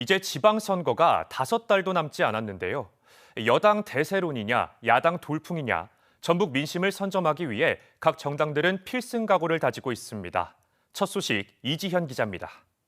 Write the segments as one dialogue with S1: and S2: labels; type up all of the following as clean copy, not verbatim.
S1: 이제 지방선거가 5달도 남지 않았는데요. 여당 대세론이냐, 야당 돌풍이냐, 전북 민심을 선점하기 위해 각 정당들은 필승 각오를 다지고 있습니다. 첫 소식 이지현 기자입니다.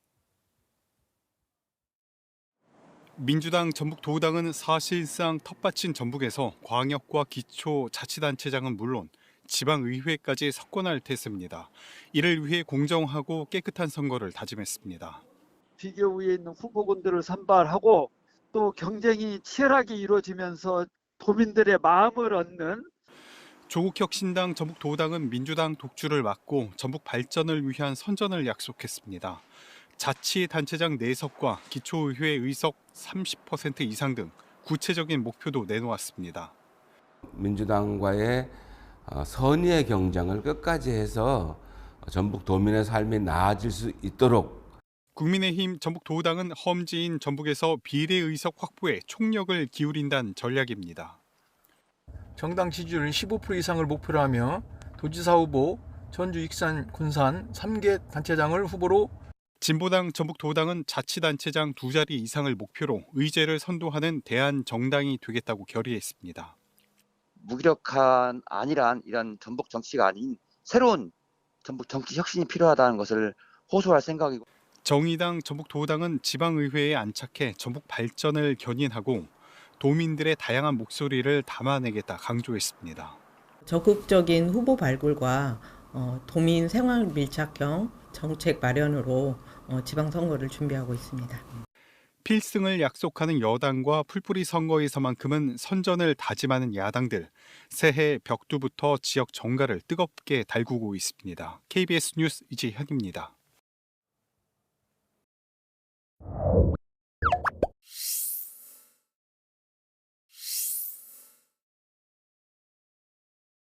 S2: 민주당 전북도당은 사실상 텃밭인 전북에서 광역과 기초자치단체장은 물론 지방의회까지 석권할 테스입니다. 이를 위해 공정하고 깨끗한 선거를 다짐했습니다.
S3: 비교 위에 있는 후보군들을 선발하고 또 경쟁이 치열하게 이루어지면서 도민들의 마음을 얻는
S2: 조국혁신당 전북도당은 민주당 독주를 막고 전북 발전을 위한 선전을 약속했습니다. 자치단체장 4석과 기초의회 의석 30% 이상 등 구체적인 목표도 내놓았습니다.
S4: 민주당과의 선의의 경쟁을 끝까지 해서 전북 도민의 삶이 나아질 수 있도록
S2: 국민의힘 전북도당은 험지인 전북에서 비례의석 확보에 총력을 기울인다는 전략입니다.
S5: 정당 지지율 15% 이상을 목표로 하며 도지사 후보, 전주, 익산, 군산 3개 단체장을 후보로
S2: 진보당 전북도당은 자치단체장 2자리 이상을 목표로 의제를 선도하는 대안정당이 되겠다고 결의했습니다.
S6: 무기력한 안일한 이런 전북 정치가 아닌 새로운 전북 정치 혁신이 필요하다는 것을 호소할 생각이고,
S2: 정의당 전북도당은 지방의회에 안착해 전북 발전을 견인하고 도민들의 다양한 목소리를 담아내겠다 강조했습니다.
S7: 적극적인 후보 발굴과 도민 생활 밀착형 정책 마련으로 지방선거를 준비하고 있습니다.
S2: 필승을 약속하는 여당과 풀뿌리 선거에서만큼은 선전을 다짐하는 야당들, 새해 벽두부터 지역 정가를 뜨겁게 달구고 있습니다. KBS 뉴스 이지현입니다.